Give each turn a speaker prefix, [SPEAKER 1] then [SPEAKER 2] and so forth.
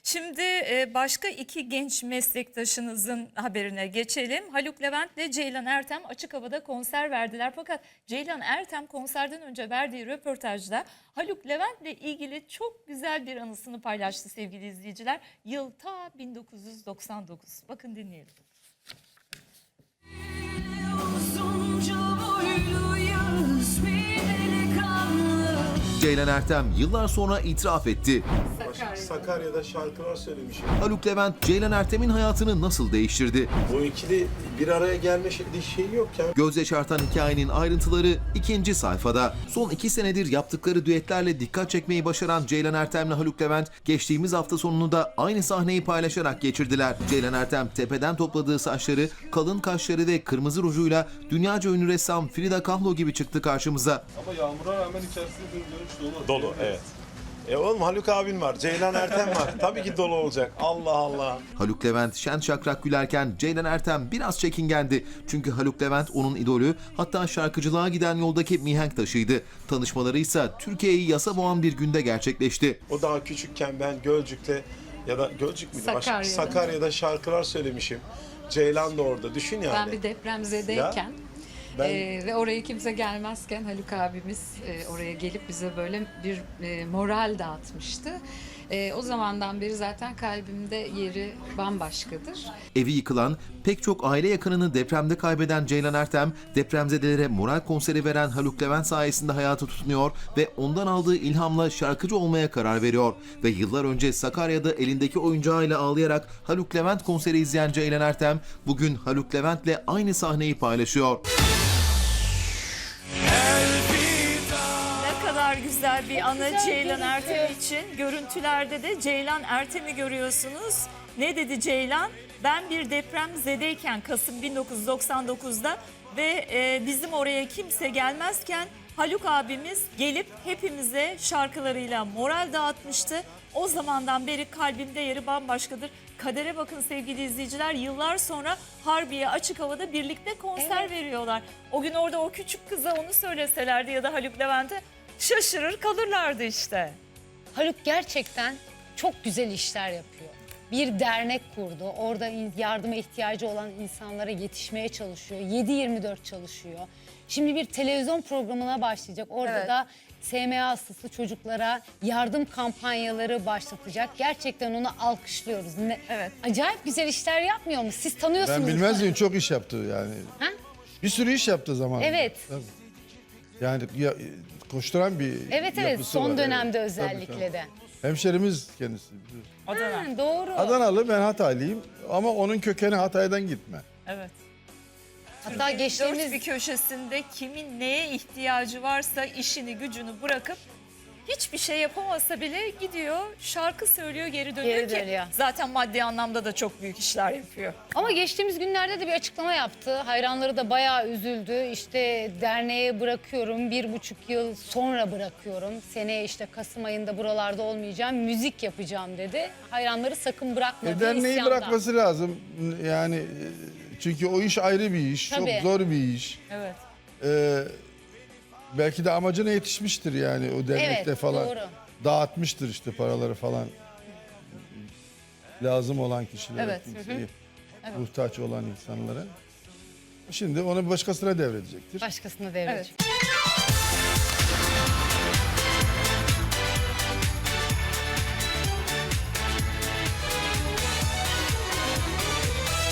[SPEAKER 1] Şimdi başka iki genç meslektaşınızın haberine geçelim. Haluk Levent ile Ceylan Ertem açık havada konser verdiler. Fakat Ceylan Ertem konserden önce verdiği röportajda Haluk Levent ile ilgili çok güzel bir anısını paylaştı sevgili izleyiciler. Yıl ta 1999. Bakın dinleyelim.
[SPEAKER 2] Ceylan Ertem yıllar sonra itiraf etti.
[SPEAKER 3] Sakarya'da şarkılar söylemişim.
[SPEAKER 2] Haluk Levent, Ceylan Ertem'in hayatını nasıl değiştirdi?
[SPEAKER 3] Bu ikili bir araya gelme şeyi yok ya.
[SPEAKER 2] Göz yaşartan hikayenin ayrıntıları ikinci sayfada. Son 2 senedir yaptıkları düetlerle dikkat çekmeyi başaran Ceylan Ertem'le Haluk Levent, geçtiğimiz hafta sonunu da aynı sahneyi paylaşarak geçirdiler. Ceylan Ertem tepeden topladığı saçları, kalın kaşları ve kırmızı rujuyla dünyaca ünlü ressam Frida Kahlo gibi çıktı karşımıza.
[SPEAKER 4] Ama yağmura rağmen içerisinde bir dönüş dolu.
[SPEAKER 3] Dolu, evet. Oğlum Haluk abin var, Ceylan Ertem var. Tabii ki dolu olacak. Allah Allah.
[SPEAKER 2] Haluk Levent şen şakrak gülerken Ceylan Ertem biraz çekingendi. Çünkü Haluk Levent onun idolü, hatta şarkıcılığa giden yoldaki mihenk taşıydı. Tanışmaları ise Türkiye'yi yasa boğan bir günde gerçekleşti.
[SPEAKER 3] O daha küçükken ben Gölcük'te ya da Gölcük müydü? Sakarya'da şarkılar söylemişim. Ceylan da orada. Düşün yani.
[SPEAKER 5] Ben bir depremzedeyken ve oraya kimse gelmezken Haluk abimiz oraya gelip bize böyle bir moral dağıtmıştı. O zamandan beri zaten kalbimde yeri bambaşkadır.
[SPEAKER 2] Evi yıkılan, pek çok aile yakınını depremde kaybeden Ceylan Ertem, depremzedelere moral konseri veren Haluk Levent sayesinde hayata tutunuyor ve ondan aldığı ilhamla şarkıcı olmaya karar veriyor. Ve yıllar önce Sakarya'da elindeki oyuncağıyla ağlayarak Haluk Levent konseri izleyen Ceylan Ertem, bugün Haluk Levent'le aynı sahneyi paylaşıyor.
[SPEAKER 1] Ne kadar güzel bir anı Ceylan Ertem için. Görüntülerde de Ceylan Ertem'i görüyorsunuz. Ne dedi Ceylan? Ben bir depremzedeyken Kasım 1999'da ve bizim oraya kimse gelmezken Haluk abimiz gelip hepimize şarkılarıyla moral dağıtmıştı. O zamandan beri kalbimde yeri bambaşkadır. Kadere bakın sevgili izleyiciler, yıllar sonra Harbiye açık havada birlikte konser veriyorlar. O gün orada o küçük kıza onu söyleselerdi ya da Haluk Levent'e şaşırır kalırlardı işte.
[SPEAKER 6] Haluk gerçekten çok güzel işler yapıyor. Bir dernek kurdu. Orada yardıma ihtiyacı olan insanlara yetişmeye çalışıyor. 7/24 çalışıyor. Şimdi bir televizyon programına başlayacak. Orada da SMA hastası çocuklara yardım kampanyaları başlatacak. Gerçekten onu alkışlıyoruz.
[SPEAKER 1] Evet.
[SPEAKER 6] Acayip güzel işler yapmıyor mu? Siz tanıyorsunuz.
[SPEAKER 4] Ben bilmez miyim, çok iş yaptı yani.
[SPEAKER 6] Ha?
[SPEAKER 4] Bir sürü iş yaptı zamanında.
[SPEAKER 6] Evet.
[SPEAKER 4] Tabii. Yani koşturan bir
[SPEAKER 6] Evet
[SPEAKER 4] yapısı
[SPEAKER 6] son
[SPEAKER 4] var.
[SPEAKER 6] dönemde
[SPEAKER 4] Evet.
[SPEAKER 6] özellikle
[SPEAKER 4] Tabii.
[SPEAKER 6] de.
[SPEAKER 4] Hemşerimiz kendisi.
[SPEAKER 6] Ha, doğru.
[SPEAKER 4] Adanalı, ben Hataylıyım ama onun kökeni Hatay'dan gitme.
[SPEAKER 1] Evet.
[SPEAKER 6] Hatta
[SPEAKER 1] Dört
[SPEAKER 6] geçtiğimiz
[SPEAKER 1] bir köşesinde kimin neye ihtiyacı varsa işini gücünü bırakıp hiçbir şey yapamasa bile gidiyor şarkı söylüyor geri dönüyor
[SPEAKER 6] Geri
[SPEAKER 1] ki
[SPEAKER 6] dönüyor.
[SPEAKER 1] zaten maddi anlamda da çok büyük işler yapıyor.
[SPEAKER 6] Ama geçtiğimiz günlerde de bir açıklama yaptı. Hayranları da bayağı üzüldü. İşte derneğe bırakıyorum, 1,5 yıl sonra bırakıyorum. Seneye işte Kasım ayında buralarda olmayacağım, müzik yapacağım dedi. Hayranları sakın bırakma diye
[SPEAKER 4] Derneği
[SPEAKER 6] isyanda.
[SPEAKER 4] bırakması lazım. Yani çünkü o iş ayrı bir iş.
[SPEAKER 6] Tabii.
[SPEAKER 4] Çok zor bir iş.
[SPEAKER 1] Evet.
[SPEAKER 4] Belki de amacına yetişmiştir yani o dernekte
[SPEAKER 6] Evet,
[SPEAKER 4] falan.
[SPEAKER 6] doğru.
[SPEAKER 4] Dağıtmıştır işte paraları falan. Lazım olan kişilere,
[SPEAKER 1] Evet,
[SPEAKER 4] kimseye, muhtaç olan insanlara. Şimdi onu başkasına devredecektir.
[SPEAKER 6] Başkasına devredecek.
[SPEAKER 1] Evet.